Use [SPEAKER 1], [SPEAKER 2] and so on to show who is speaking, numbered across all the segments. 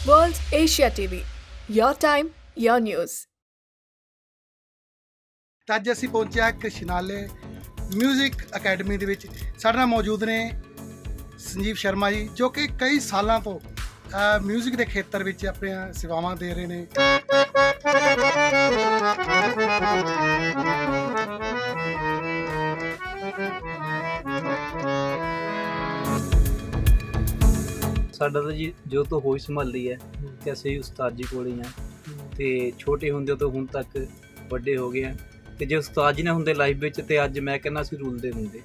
[SPEAKER 1] World Asia TV. Your time, your news.
[SPEAKER 2] ਤਾਂ ਅੱਜ ਅਸੀਂ ਪਹੁੰਚਿਆ ਕਸ਼ਨਾਲੇ ਮਿਊਜ਼ਿਕ ਅਕੈਡਮੀ ਦੇ ਵਿੱਚ। ਸਾਡੇ ਨਾਲ ਮੌਜੂਦ ਨੇ ਸੰਜੀਵ ਸ਼ਰਮਾ ਜੀ, ਜੋ ਕਿ ਕਈ ਸਾਲਾਂ ਤੋਂ ਮਿਊਜ਼ਿਕ ਦੇ ਖੇਤਰ ਵਿੱਚ ਆਪਣੀਆਂ ਸੇਵਾਵਾਂ ਦੇ ਰਹੇ ਨੇ।
[SPEAKER 3] ਸਾਡਾ ਤਾਂ ਜੀ ਜੋ ਤੋਂ ਹੋਈ ਸੰਭਾਲੀ ਹੈ ਤੇ ਅਸੀਂ ਉਸਤਾਦ ਜੀ ਕੋਲ ਹੀ ਹਾਂ ਤੇ ਛੋਟੇ ਹੁੰਦੇ ਤੋਂ ਹੁਣ ਤੱਕ ਵੱਡੇ ਹੋ ਗਏ ਆ ਤੇ ਜੇ ਉਸਤਾਦ ਜੀ ਨੇ ਹੁੰਦੇ ਲਾਈਫ ਵਿੱਚ ਤੇ ਅੱਜ ਮੈਂ ਕਹਿੰਦਾ ਅਸੀਂ ਰੁਲਦੇ ਹੁੰਦੇ।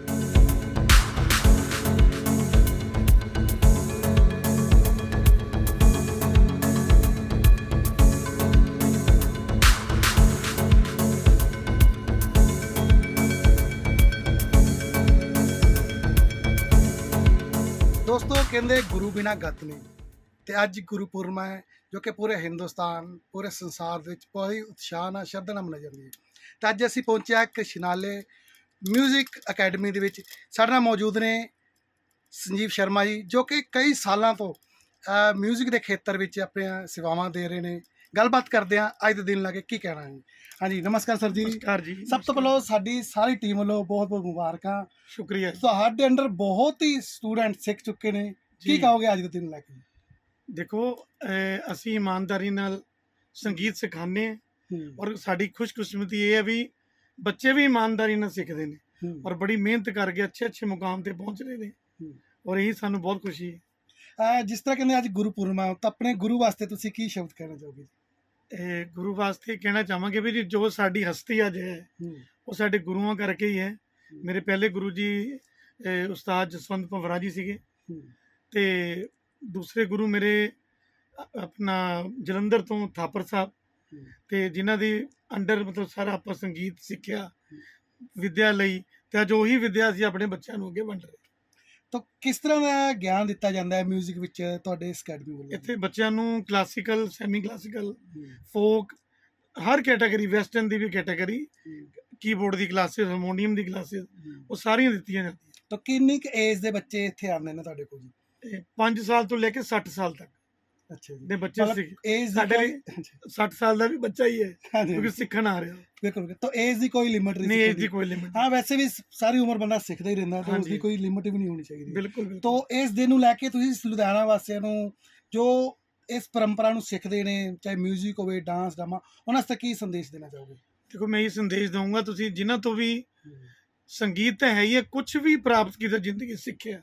[SPEAKER 2] ਦੋਸਤੋ, ਕਹਿੰਦੇ ਗੁਰੂ ਬਿਨਾਂ ਗਤ ਨਹੀਂ, ਤੇ ਅੱਜ ਗੁਰਪੁਰਮਾ ਹੈ ਜੋ ਕਿ ਪੂਰੇ ਹਿੰਦੁਸਤਾਨ, ਪੂਰੇ ਸੰਸਾਰ ਦੇ ਵਿੱਚ ਬਹੁਤ ਹੀ ਉਤਸ਼ਾਹ ਨਾਲ, ਸ਼ਰਧਾ ਨਾਲ ਮਨਾਈ ਜਾਂਦੀ ਹੈ। ਤਾਂ ਅੱਜ ਅਸੀਂ ਪਹੁੰਚਿਆ ਕਸ਼ਨਾਲੇ ਮਿਊਜ਼ਿਕ ਅਕੈਡਮੀ ਦੇ ਵਿੱਚ। ਸਾਡੇ ਨਾਲ ਮੌਜੂਦ ਨੇ ਸੰਜੀਵ ਸ਼ਰਮਾ ਜੀ, ਜੋ ਕਿ ਕਈ ਸਾਲਾਂ ਤੋਂ ਮਿਊਜ਼ਿਕ ਦੇ ਖੇਤਰ ਵਿੱਚ ਆਪਣੀਆਂ ਸੇਵਾਵਾਂ ਦੇ ਰਹੇ ਨੇ। ਗੱਲਬਾਤ ਕਰਦੇ ਹਾਂ ਅੱਜ ਦੇ ਦਿਨ ਲਾ ਕੇ ਕੀ ਕਹਿਣਾ ਹੈ। ਹਾਂਜੀ, ਨਮਸਕਾਰ ਸਰ ਜੀ।
[SPEAKER 4] ਨਮਸਕਾਰ ਜੀ।
[SPEAKER 2] ਸਭ ਤੋਂ ਪਹਿਲਾਂ ਸਾਡੀ ਸਾਰੀ ਟੀਮ ਵੱਲੋਂ ਬਹੁਤ ਬਹੁਤ ਮੁਬਾਰਕਾਂ।
[SPEAKER 4] ਸ਼ੁਕਰੀਆ।
[SPEAKER 2] ਤੁਹਾਡੇ ਅੰਡਰ ਬਹੁਤ ਹੀ ਸਟੂਡੈਂਟ ਸਿੱਖ ਚੁੱਕੇ ਨੇ, ਕੀ ਕਹੋਗੇ ਅੱਜ ਦੇ ਦਿਨ ਲੈ ਕੇ?
[SPEAKER 4] ਦੇਖੋ, ਅਸੀਂ ਇਮਾਨਦਾਰੀ ਨਾਲ ਸੰਗੀਤ ਸਿਖਾਉਂਦੇ ਹਾਂ ਔਰ ਸਾਡੀ ਖੁਸ਼ਕਿਸਮਤੀ ਇਹ ਹੈ ਵੀ ਬੱਚੇ ਵੀ ਇਮਾਨਦਾਰੀ ਨਾਲ ਸਿੱਖਦੇ ਨੇ ਔਰ ਬੜੀ ਮਿਹਨਤ ਕਰਕੇ ਅੱਛੇ ਮੁਕਾਮ ਤੇ ਪਹੁੰਚ ਰਹੇ ਨੇ ਔਰ ਇਹੀ ਸਾਨੂੰ ਬਹੁਤ ਖੁਸ਼ੀ ਹੈ।
[SPEAKER 2] ਜਿਸ ਤਰ੍ਹਾਂ ਕਹਿੰਦੇ ਅੱਜ ਗੁਰਪੁਰਮਾ, ਤਾਂ ਆਪਣੇ ਗੁਰੂ ਵਾਸਤੇ ਤੁਸੀਂ ਕੀ ਸ਼ਬਦ ਕਹਿਣਾ ਚਾਹੋਗੇ?
[SPEAKER 4] ਗੁਰੂ ਵਾਸਤੇ ਕਹਿਣਾ ਚਾਹਾਂਗੇ ਵੀ ਜੀ ਜੋ ਸਾਡੀ ਹਸਤੀ ਅੱਜ ਹੈ ਉਹ ਸਾਡੇ ਗੁਰੂਆਂ ਕਰਕੇ ਹੀ ਹੈ। ਮੇਰੇ ਪਹਿਲੇ ਗੁਰੂ ਜੀ ਉਸਤਾਦ ਜਸਵੰਤ ਭੰਵਰਾ ਜੀ ਸੀਗੇ ਤੇ ਦੂਸਰੇ ਗੁਰੂ ਮੇਰੇ ਆਪਣਾ ਜਲੰਧਰ ਤੋਂ ਥਾਪਰ ਸਾਹਿਬ, ਤੇ ਜਿਨ੍ਹਾਂ ਦੀ ਅੰਡਰ ਮਤਲਬ ਸਾਰਾ ਆਪਾਂ ਸੰਗੀਤ ਸਿੱਖਿਆ ਵਿਦਿਆ ਲਈ, ਤੇ ਅੱਜ ਉਹੀ ਵਿਦਿਆ ਅਸੀਂ ਆਪਣੇ ਬੱਚਿਆਂ ਨੂੰ ਅੱਗੇ ਵੰਡ ਰਹੇ।
[SPEAKER 2] ਤਾਂ ਕਿਸ ਤਰ੍ਹਾਂ ਦਾ ਗਿਆਨ ਦਿੱਤਾ ਜਾਂਦਾ ਹੈ ਮਿਊਜ਼ਿਕ ਵਿੱਚ ਤੁਹਾਡੇ ਇਸ ਅਕੈਡਮੀ ਵੱਲੋਂ?
[SPEAKER 4] ਇੱਥੇ ਬੱਚਿਆਂ ਨੂੰ ਕਲਾਸੀਕਲ, ਸੈਮੀ ਕਲਾਸੀਕਲ, ਫੋਕ, ਹਰ ਕੈਟਾਗਰੀ, ਵੈਸਟਰਨ ਦੀ ਵੀ ਕੈਟਾਗਰੀ, ਕੀਬੋਰਡ ਦੀ ਕਲਾਸਿਸ, ਹਾਰਮੋਨੀਅਮ ਦੀ ਕਲਾਸਿਸ, ਉਹ ਸਾਰੀਆਂ ਦਿੱਤੀਆਂ ਜਾਂਦੀਆਂ।
[SPEAKER 2] ਤਾਂ ਕਿੰਨੀ ਕੁ ਏਜ ਦੇ ਬੱਚੇ ਇੱਥੇ ਆਉਂਦੇ ਨੇ ਤੁਹਾਡੇ ਕੋਲ ਜੀ?
[SPEAKER 4] 5 ਸਾਲ ਤੋਂ ਲੈ ਕੇ 60 ਸਾਲ ਤੱਕ
[SPEAKER 2] ਅੱਛਾ ਜੀ।
[SPEAKER 4] ਦੇ ਬੱਚੇ
[SPEAKER 2] ਏਜ
[SPEAKER 4] ਸਾਡੇ ਲਈ 60 ਸਾਲ ਦਾ ਵੀ ਬੱਚਾ ਹੀ ਹੈ ਕਿਉਂਕਿ ਸਿੱਖਣ ਆ ਰਿਹਾ।
[SPEAKER 2] ਬਿਲਕੁਲ। ਤਾਂ ਏਜ ਦੀ ਕੋਈ ਲਿਮਿਟ
[SPEAKER 4] ਨਹੀਂ, ਏਜ ਦੀ ਕੋਈ ਲਿਮਿਟ।
[SPEAKER 2] ਹਾਂ, ਵੈਸੇ ਵੀ ਸਾਰੀ ਉਮਰ ਬੰਦਾ ਸਿੱਖਦਾ ਹੀ ਰਹਿੰਦਾ, ਤਾਂ ਉਸ ਦੀ ਕੋਈ ਲਿਮਿਟ ਵੀ ਨਹੀਂ ਹੋਣੀ ਚਾਹੀਦੀ।
[SPEAKER 4] ਬਿਲਕੁਲ।
[SPEAKER 2] ਤਾਂ ਇਸ ਦਿਨ ਨੂੰ ਲੈ ਕੇ ਤੁਸੀਂ ਲੁਧਿਆਣਾ ਵਾਸੀਆਂ ਨੂੰ, ਜੋ ਇਸ ਪਰੰਪਰਾ ਨੂੰ ਸਿੱਖਦੇ ਨੇ, ਚਾਹੇ ਮਿਊਜ਼ਿਕ ਹੋਵੇ, ਡਾਂਸ, ਡਰਾਮਾ, ਉਹਨਾਂ ਵਾਸਤੇ ਕੀ ਸੰਦੇਸ਼ ਦੇਣਾ ਚਾਹੋਗੇ?
[SPEAKER 4] ਦੇਖੋ, ਮੈਂ ਇਹ ਸੰਦੇਸ਼ ਦਊਂਗਾ, ਤੁਸੀਂ ਜਿਨ੍ਹਾਂ ਤੋਂ ਵੀ ਸੰਗੀਤ ਤਾਂ ਹੈ ਹੀ ਹੈ, ਕੁਝ ਵੀ ਪ੍ਰਾਪਤ ਕੀਤਾ ਜ਼ਿੰਦਗੀ ਸਿੱਖਿਆ,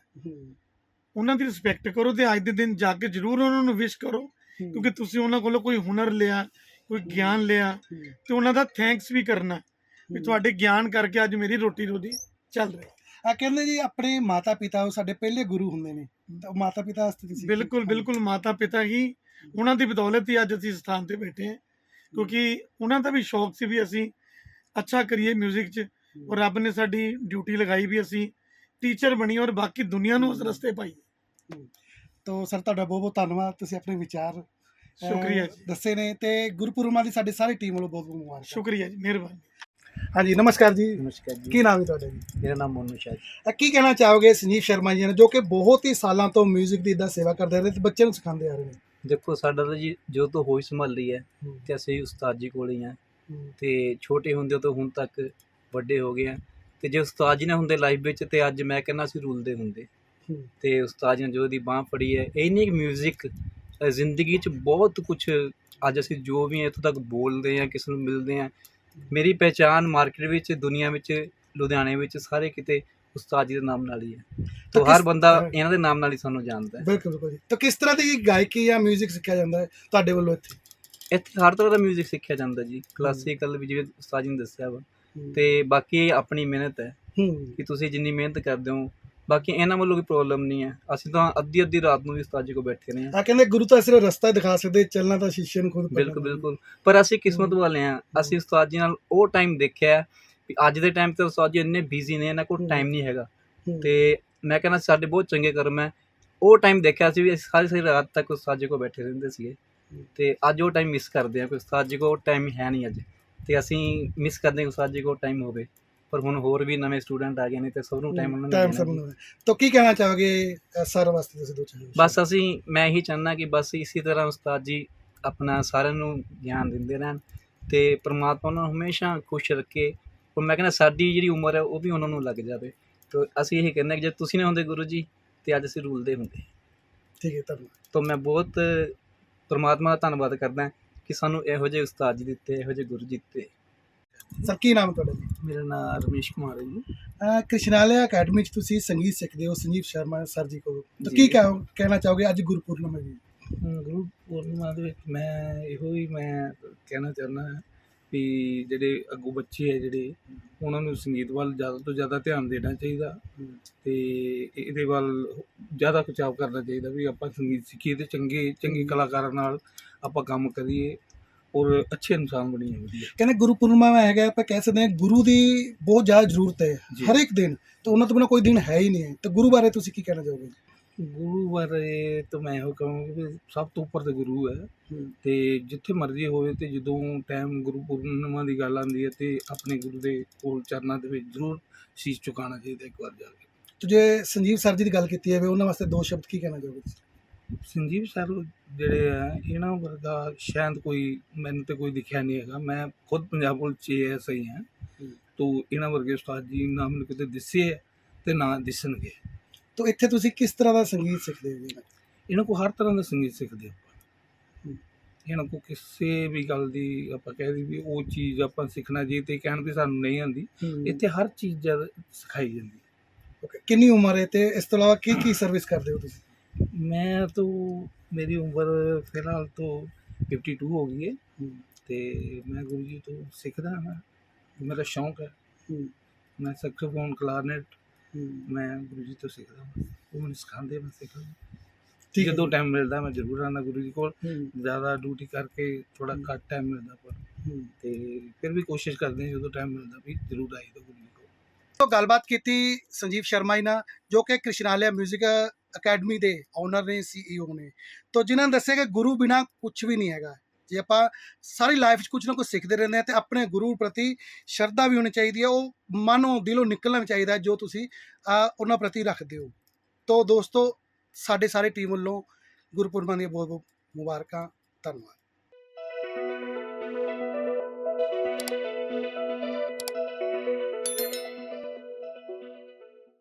[SPEAKER 4] ਉਹਨਾਂ ਦੀ ਰਿਸਪੈਕਟ ਕਰੋ ਤੇ ਅੱਜ ਦੇ ਦਿਨ ਜਾ ਕੇ ਜ਼ਰੂਰ ਉਹਨਾਂ ਨੂੰ ਵਿਸ਼ ਕਰੋ, ਕਿਉਂਕਿ ਤੁਸੀਂ ਉਹਨਾਂ ਕੋਲੋਂ ਕੋਈ ਹੁਨਰ ਲਿਆ, ਕੋਈ ਗਿਆਨ ਲਿਆ, ਤੇ ਉਹਨਾਂ ਦਾ ਥੈਂਕਸ ਵੀ ਕਰਨਾ ਵੀ ਤੁਹਾਡੇ ਗਿਆਨ ਕਰਕੇ ਅੱਜ ਮੇਰੀ ਰੋਟੀ ਚੱਲ ਰਹੀ।
[SPEAKER 2] ਕਹਿੰਦੇ ਜੀ ਆਪਣੇ ਮਾਤਾ ਪਿਤਾ ਉਹ ਸਾਡੇ ਪਹਿਲੇ ਗੁਰੂ ਹੁੰਦੇ ਨੇ, ਤਾਂ ਮਾਤਾ ਪਿਤਾ ਵਾਸਤੇ ਤੁਸੀਂ?
[SPEAKER 4] ਬਿਲਕੁਲ ਮਾਤਾ ਪਿਤਾ ਹੀ, ਉਹਨਾਂ ਦੀ ਬਦੌਲਤ ਹੀ ਅੱਜ ਅਸੀਂ ਸਥਾਨ ਤੇ ਬੈਠੇ ਹਾਂ, ਕਿਉਂਕਿ ਉਹਨਾਂ ਦਾ ਵੀ ਸ਼ੌਕ ਸੀ ਵੀ ਅਸੀਂ ਅੱਛਾ ਕਰੀਏ ਮਿਊਜ਼ਿਕ 'ਚ, ਔਰ ਰੱਬ ਨੇ ਸਾਡੀ ਡਿਊਟੀ ਲਗਾਈ ਵੀ ਅਸੀਂ ਟੀਚਰ ਬਣੀ ਔਰ ਬਾਕੀ ਦੁਨੀਆ ਨੂੰ ਉਸ ਰਸਤੇ ਪਾਈਏ।
[SPEAKER 2] ਤਾਂ ਸਰ ਤੁਹਾਡਾ ਬਹੁਤ ਬਹੁਤ ਧੰਨਵਾਦ, ਤੁਸੀਂ ਆਪਣੇ ਵਿਚਾਰ
[SPEAKER 4] ਸ਼ੁਕਰੀਆ ਜੀ
[SPEAKER 2] ਦੱਸੇ ਨੇ, ਤੇ ਗੁਰਪੁਰਮਾ ਦੀ ਸਾਡੀ ਸਾਰੀ ਟੀਮ ਵੱਲੋਂ ਬਹੁਤ ਬਹੁਤ ਮੁਬਾਰਕ।
[SPEAKER 4] ਸ਼ੁਕਰੀਆ ਜੀ, ਮਿਹਰਬਾਨੀ।
[SPEAKER 2] ਹਾਂਜੀ, ਨਮਸਕਾਰ ਜੀ।
[SPEAKER 3] ਨਮਸਕਾਰ ਜੀ।
[SPEAKER 2] ਕੀ ਨਾਮ ਹੈ ਤੁਹਾਡਾ ਜੀ?
[SPEAKER 3] ਮੇਰਾ ਨਾਮ ਮੋਨੂ ਸ਼ਾਹ ਜੀ।
[SPEAKER 2] ਕੀ ਕਹਿਣਾ ਚਾਹੋਗੇ ਸੰਜੀਵ ਸ਼ਰਮਾ ਜੀ ਨੇ, ਜੋ ਕਿ ਬਹੁਤ ਹੀ ਸਾਲਾਂ ਤੋਂ ਮਿਊਜ਼ਿਕ ਦੀ ਇੱਦਾਂ ਸੇਵਾ ਕਰਦੇ ਆ ਰਹੇ ਤੇ ਬੱਚਿਆਂ ਨੂੰ ਸਿਖਾਉਂਦੇ ਆ ਰਹੇ ਨੇ?
[SPEAKER 3] ਦੇਖੋ, ਸਾਡਾ ਤਾਂ ਜੀ ਜੋ ਤੋਂ ਹੋਈ ਸੰਭਾਲੀ ਹੈ ਤੇ ਅਸੀਂ ਉਸਤਾਦ ਜੀ ਕੋਲ ਹੀ ਹਾਂ ਤੇ ਛੋਟੇ ਹੁੰਦੇ ਤੋਂ ਹੁਣ ਤੱਕ ਵੱਡੇ ਹੋ ਗਏ ਆ ਤੇ ਜੇ ਉਸਤਾਦ ਜੀ ਨੇ ਹੁੰਦੇ ਲਾਈਫ ਵਿੱਚ ਤੇ ਅੱਜ ਮੈਂ ਕਹਿੰਦਾ ਅਸੀਂ ਰੁਲਦੇ ਹੁੰਦੇ। ਤੇ ਉਸਤਾਦ ਜੀ ਨੇ ਜੋ ਦੀ ਬਾਂਹ ਫੜੀ ਹੈ, ਇਹ ਨਹੀਂ ਕਿ ਮਿਊਜ਼ਿਕ ਜ਼ਿੰਦਗੀ 'ਚ ਬਹੁਤ ਕੁਛ, ਅੱਜ ਅਸੀਂ ਜੋ ਵੀ ਇੱਥੋਂ ਤੱਕ ਬੋਲਦੇ ਹਾਂ, ਕਿਸੇ ਨੂੰ ਮਿਲਦੇ ਹਾਂ, ਮੇਰੀ ਪਹਿਚਾਣ ਮਾਰਕੀਟ ਵਿੱਚ, ਦੁਨੀਆ ਵਿੱਚ, ਲੁਧਿਆਣੇ ਵਿੱਚ, ਸਾਰੇ ਕਿਤੇ ਉਸਤਾਦ ਜੀ ਦੇ ਨਾਮ ਨਾਲ ਹੀ ਹੈ। ਤਾਂ ਹਰ ਬੰਦਾ ਇਹਨਾਂ ਦੇ ਨਾਮ ਨਾਲ ਹੀ ਸਾਨੂੰ ਜਾਣਦਾ ਹੈ।
[SPEAKER 2] ਬਿਲਕੁਲ ਜੀ। ਤਾਂ ਕਿਸ ਤਰ੍ਹਾਂ ਦੀ ਗਾਇਕੀ ਜਾਂ ਮਿਊਜ਼ਿਕ ਸਿੱਖਿਆ ਜਾਂਦਾ ਹੈ ਤੁਹਾਡੇ ਵੱਲੋਂ ਇੱਥੇ?
[SPEAKER 3] ਇੱਥੇ ਹਰ ਤਰ੍ਹਾਂ ਦਾ ਮਿਊਜ਼ਿਕ ਸਿੱਖਿਆ ਜਾਂਦਾ ਜੀ, ਕਲਾਸੀਕਲ ਵੀ ਜਿਵੇਂ ਉਸਤਾਦ ਜੀ ਨੇ ਦੱਸਿਆ ਵਾ, ਤੇ ਬਾਕੀ ਆਪਣੀ ਮਿਹਨਤ ਹੈ ਕਿ ਤੁਸੀਂ ਜਿੰਨੀ ਮਿਹਨਤ ਕਰਦੇ ਹੋ, ਬਾਕੀ ਇਹਨਾਂ ਵੱਲੋਂ ਕੋਈ ਪ੍ਰੋਬਲਮ ਨਹੀਂ ਹੈ। ਅਸੀਂ ਤਾਂ ਅੱਧੀ ਰਾਤ ਨੂੰ ਵੀ ਉਸਤਾਦ ਜੀ ਕੋਲ ਬੈਠੇ ਰਹੇ ਹਾਂ।
[SPEAKER 2] ਕਹਿੰਦੇ ਗੁਰੂ ਤਾਂ ਸਿਰਫ ਰਸਤਾ ਦਿਖਾ ਸਕਦੇ, ਚੱਲਣਾ ਤਾਂ ਸ਼ੀਸ਼ੇ ਨੂੰ ਖੁਦ।
[SPEAKER 3] ਬਿਲਕੁਲ। ਪਰ ਅਸੀਂ ਕਿਸਮਤ ਵਾਲੇ ਹਾਂ, ਅਸੀਂ ਉਸਤਾਦ ਜੀ ਨਾਲ ਉਹ ਟਾਈਮ ਦੇਖਿਆ ਵੀ ਅੱਜ ਦੇ ਟਾਈਮ ਤੇ ਉਸਤਾਦ ਜੀ ਇੰਨੇ ਬਿਜ਼ੀ ਨੇ, ਇਹਨਾਂ ਕੋਲ ਟਾਈਮ ਨਹੀਂ ਹੈਗਾ, ਤੇ ਮੈਂ ਕਹਿੰਦਾ ਸਾਡੇ ਬਹੁਤ ਚੰਗੇ ਕਰਮ ਹੈ। ਉਹ ਟਾਈਮ ਦੇਖਿਆ ਸੀ ਵੀ ਅਸੀਂ ਸਾਰੀ ਰਾਤ ਤੱਕ ਉਸਤਾਦ ਜੀ ਕੋਲ ਬੈਠੇ ਰਹਿੰਦੇ ਸੀਗੇ, ਤੇ ਅੱਜ ਉਹ ਟਾਈਮ ਮਿਸ ਕਰਦੇ ਹਾਂ ਕਿ ਉਸਤਾਦ ਜੀ ਕੋਲ ਟਾਈਮ ਹੈ ਨਹੀਂ ਅੱਜ, ਤੇ ਅਸੀਂ ਮਿਸ ਕਰਦੇ ਹਾਂ ਉਸਤਾਦ ਜੀ ਕੋਲ ਟਾਈਮ ਹੋਵੇ। ਪਰ ਹੁਣ ਹੋਰ ਵੀ ਨਵੇਂ ਸਟੂਡੈਂਟ ਆ ਗਏ ਨੇ ਤੇ ਸਭ ਨੂੰ ਟਾਈਮ ਉਹਨਾਂ ਨੂੰ
[SPEAKER 2] ਟਾਈਮ
[SPEAKER 3] ਦੇਣਾ
[SPEAKER 2] ਸਭ
[SPEAKER 3] ਜੀ।
[SPEAKER 2] ਨੂੰ ਤਾਂ ਕੀ ਕਹਿਣਾ ਚਾਹੋਗੇ ਸਰ ਵਾਸਤੇ ਤੁਸੀਂ ਦੋ ਚਾਰ
[SPEAKER 3] ਬਸ ਮੈਂ ਇਹੀ ਚਾਹੁੰਦਾ ਕਿ ਬਸ ਇਸੇ ਤਰ੍ਹਾਂ ਉਸਤਾਦ ਜੀ ਆਪਣਾ ਸਾਰਿਆਂ ਨੂੰ ਗਿਆਨ ਦਿੰਦੇ ਰਹਿਣ ਤੇ ਪ੍ਰਮਾਤਮਾ ਉਹਨਾਂ ਨੂੰ ਹਮੇਸ਼ਾ ਖੁਸ਼ ਰੱਖੇ। ਹੁਣ ਮੈਂ ਕਹਿੰਦਾ ਸਾਡੀ ਜਿਹੜੀ ਉਮਰ ਹੈ ਉਹ ਵੀ ਉਹਨਾਂ ਨੂੰ ਲੱਗ ਜਾਵੇ। ਤੇ ਅਸੀਂ ਇਹੀ ਕਹਿੰਦੇ ਕਿ ਜੇ ਤੁਸੀਂ ਨਾ ਹੁੰਦੇ ਗੁਰੂ ਜੀ ਤੇ ਅੱਜ ਅਸੀਂ ਰੂਲਦੇ ਹੁੰਦੇ।
[SPEAKER 2] ਠੀਕ ਹੈ ਧੰਨਵਾਦ।
[SPEAKER 3] ਤਾਂ ਮੈਂ ਬਹੁਤ ਪ੍ਰਮਾਤਮਾ ਦਾ ਧੰਨਵਾਦ ਕਰਦਾ ਕਿ ਸਾਨੂੰ ਇਹੋ ਜਿਹੇ ਉਸਤਾਦ ਜੀ ਦਿੱਤੇ, ਇਹੋ ਜਿਹੇ ਗੁਰੂ ਜੀ ਦਿੱਤੇ।
[SPEAKER 2] ਸਰ ਕੀ ਨਾਮ ਹੈ ਤੁਹਾਡਾ ਜੀ?
[SPEAKER 3] ਮੇਰਾ ਨਾਮ ਰਮੇਸ਼ ਕੁਮਾਰ ਹੈ ਜੀ।
[SPEAKER 2] ਕ੍ਰਿਸ਼ਨਾਲਿਆ ਅਕੈਡਮੀ 'ਚ ਤੁਸੀਂ ਸੰਗੀਤ ਸਿੱਖਦੇ ਹੋ ਸੰਜੀਵ ਸ਼ਰਮਾ ਸਰ ਜੀ ਕੋਲ, ਤਾਂ
[SPEAKER 3] ਜੀ।
[SPEAKER 2] ਕੀ ਕਹਿਣਾ ਚਾਹੋਗੇ ਅੱਜ ਗੁਰਪੁਰਨਮ ਹੈ ਜੀ?
[SPEAKER 3] ਗੁਰੂ ਪੂਰਨਿਮਾ ਦੇ ਵਿੱਚ ਮੈਂ ਕਹਿਣਾ ਚਾਹੁੰਦਾ ਹਾਂ ਵੀ ਜਿਹੜੇ ਅੱਗੋਂ ਬੱਚੇ ਹੈ ਜਿਹੜੇ ਉਹਨਾਂ ਨੂੰ ਸੰਗੀਤ ਵੱਲ ਜ਼ਿਆਦਾ ਤੋਂ ਜ਼ਿਆਦਾ ਧਿਆਨ ਦੇਣਾ ਚਾਹੀਦਾ ਤੇ ਇਹਦੇ ਵੱਲ ਜ਼ਿਆਦਾ ਖਿਚਾਵ ਕਰਨਾ ਚਾਹੀਦਾ ਵੀ ਆਪਾਂ ਸੰਗੀਤ ਸਿੱਖੀਏ ਤੇ ਚੰਗੇ ਕਲਾਕਾਰਾਂ ਨਾਲ ਆਪਾਂ ਕੰਮ ਕਰੀਏ ਔਰ ਅੱਛੇ ਇਨਸਾਨ ਬਣੀਏ ਵਧੀਆ।
[SPEAKER 2] ਕਹਿੰਦੇ ਗੁਰਪੁਰਨਿਮਾ ਹੈਗਾ, ਆਪਾਂ ਕਹਿ ਸਕਦੇ ਹਾਂ ਗੁਰੂ ਦੀ ਬਹੁਤ ਜ਼ਿਆਦਾ ਜ਼ਰੂਰਤ ਹੈ
[SPEAKER 3] ਜੀ।
[SPEAKER 2] ਹਰ ਇੱਕ ਦਿਨ, ਤਾਂ ਉਹਨਾਂ ਤੋਂ ਬਿਨਾਂ ਕੋਈ ਦਿਨ ਹੈ ਹੀ ਨਹੀਂ ਹੈ। ਤਾਂ ਗੁਰੂ ਬਾਰੇ ਤੁਸੀਂ ਕੀ ਕਹਿਣਾ ਚਾਹੋਗੇ?
[SPEAKER 3] ਗੁਰੂ ਬਾਰੇ ਤਾਂ ਮੈਂ ਇਹੋ ਕਹਾਂਗਾ ਵੀ ਸਭ ਤੋਂ ਉੱਪਰ ਤੇ ਗੁਰੂ ਹੈ ਤੇ ਜਿੱਥੇ ਮਰਜ਼ੀ ਹੋਵੇ ਤੇ ਜਦੋਂ ਟਾਈਮ ਗੁਰੂ ਪੂਰਨਿਮਾ ਦੀ ਗੱਲ ਆਉਂਦੀ ਹੈ ਤੇ ਆਪਣੇ ਗੁਰੂ ਦੇ ਕੋਲ ਚਰਨਾਂ ਦੇ ਵਿੱਚ ਜ਼ਰੂਰ ਸੀਸ ਝੁਕਾਉਣਾ ਚਾਹੀਦਾ ਇੱਕ ਵਾਰ ਜਾ ਕੇ।
[SPEAKER 2] ਤੇ ਜੇ ਸੰਜੀਵ ਸਰ ਜੀ ਦੀ ਗੱਲ ਕੀਤੀ ਜਾਵੇ ਉਹਨਾਂ ਵਾਸਤੇ ਦੋ ਸ਼ਬਦ ਕੀ ਕਹਿਣਾ ਚਾਹੋਗੇ ਤੁਸੀਂ?
[SPEAKER 3] ਸੰਜੀਵ ਸਰ ਜਿਹੜੇ ਆ ਇਹਨਾਂ ਵਰਗਾ ਸ਼ਾਇਦ ਮੈਨੂੰ ਤੇ ਕੋਈ ਦਿਖਿਆ ਨਹੀਂ ਹੈਗਾ। ਮੈਂ ਖੁਦ ਪੰਜਾਬ ਪੁਲਿਸ 'ਚ ASI ਹਾਂ ਤੋ ਇਹਨਾਂ ਵਰਗੇ ਉਸਤਾਦ ਜੀ ਨਾ ਮੈਨੂੰ ਕਿਤੇ ਦਿਸੇ ਹੈ ਤੇ ਨਾ ਦਿਸਣਗੇ।
[SPEAKER 2] ਤਾਂ ਇੱਥੇ ਤੁਸੀਂ ਕਿਸ ਤਰ੍ਹਾਂ ਦਾ ਸੰਗੀਤ ਸਿੱਖਦੇ ਹੋ ਜੀ?
[SPEAKER 3] ਇਹਨਾਂ ਕੋਲ ਹਰ ਤਰ੍ਹਾਂ ਦਾ ਸੰਗੀਤ ਸਿੱਖਦੇ ਆਪਾਂ। ਇਹਨਾਂ ਕੋਲ ਕਿਸੇ ਵੀ ਗੱਲ ਦੀ ਆਪਾਂ ਕਹਿ ਦਈਏ ਵੀ ਉਹ ਚੀਜ਼ ਆਪਾਂ ਸਿੱਖਣਾ ਜੀ ਤੇ ਕਹਿਣ ਵੀ ਸਾਨੂੰ ਨਹੀਂ ਆਉਂਦੀ, ਇੱਥੇ ਹਰ ਚੀਜ਼ ਸਿਖਾਈ ਜਾਂਦੀ।
[SPEAKER 2] ਓਕੇ, ਕਿੰਨੀ ਉਮਰ ਹੈ ਤੇ ਇਸ ਤੋਂ ਇਲਾਵਾ ਕੀ ਸਰਵਿਸ ਕਰਦੇ ਹੋ ਤੁਸੀਂ?
[SPEAKER 3] ਮੈਂ ਤਾਂ ਮੇਰੀ ਉਮਰ ਫਿਲਹਾਲ ਤੋਂ 52 ਹੋ ਗਈ ਹੈ ਤੇ ਮੈਂ ਗੁਰੂ ਜੀ ਤੋਂ ਸਿੱਖਦਾ ਹਾਂ। ਮੇਰਾ ਸ਼ੌਂਕ ਹੈ, ਮੈਂ ਸੈਕਸੋਫੋਨ ਕਲਾਰਨੇਟ ਮੈਂ ਗੁਰੂ ਜੀ ਤੋਂ ਸਿੱਖਦਾ ਹਾਂ। ਉਹ ਮੈਨੂੰ ਸਿਖਾਉਂਦੇ, ਮੈਂ ਸਿੱਖਦਾ।
[SPEAKER 2] ਠੀਕ ਹੈ।
[SPEAKER 3] ਜਦੋਂ ਟਾਈਮ ਮਿਲਦਾ ਮੈਂ ਜ਼ਰੂਰ ਆਉਂਦਾ ਗੁਰੂ ਜੀ ਕੋਲ। ਜ਼ਿਆਦਾ ਡਿਊਟੀ ਕਰਕੇ ਥੋੜਾ ਘੱਟ ਟਾਈਮ ਮਿਲਦਾ ਪਰ ਤੇ ਫਿਰ ਵੀ ਕੋਸ਼ਿਸ਼ ਕਰਦੇ ਹਾਂ ਜਦੋਂ ਟਾਈਮ ਮਿਲਦਾ ਵੀ ਜ਼ਰੂਰ ਆਈਦਾ ਗੁਰੂ ਜੀ ਕੋਲ।
[SPEAKER 2] ਤੋਂ ਗੱਲਬਾਤ ਕੀਤੀ ਸੰਜੀਵ ਸ਼ਰਮਾ ਜੀ ਨਾਲ, ਜੋ ਕਿ ਕ੍ਰਿਸ਼ਨਾਲਿਆ ਮਿਊਜ਼ਿਕ ਅਕੈਡਮੀ ਦੇ ਓਨਰ ਨੇ, CEO ਨੇ, ਤੋਂ ਜਿਨ੍ਹਾਂ ਨੇ ਦੱਸਿਆ ਕਿ ਗੁਰੂ ਬਿਨਾਂ ਕੁਝ ਵੀ ਨਹੀਂ ਹੈਗਾ। ਜੇ ਆਪਾਂ ਸਾਰੀ ਲਾਈਫ 'ਚ ਕੁਝ ਨਾ ਕੁਝ ਸਿੱਖਦੇ ਰਹਿੰਦੇ ਹਾਂ ਤੇ ਆਪਣੇ ਗੁਰੂ ਪ੍ਰਤੀ ਸ਼ਰਧਾ ਵੀ ਹੋਣੀ ਚਾਹੀਦੀ ਹੈ, ਉਹ ਮਨੋਂ ਦਿਲੋਂ ਨਿਕਲਣਾ ਵੀ ਚਾਹੀਦਾ ਜੋ ਤੁਸੀਂ ਉਹਨਾਂ ਪ੍ਰਤੀ ਰੱਖਦੇ ਹੋ। ਤੋਂ ਦੋਸਤੋ ਸਾਡੇ ਸਾਰੇ ਟੀਮ ਵੱਲੋਂ ਗੁਰਪੁਰਬਾਂ ਦੀਆਂ ਬਹੁਤ ਬਹੁਤ ਮੁਬਾਰਕਾਂ। ਧੰਨਵਾਦ।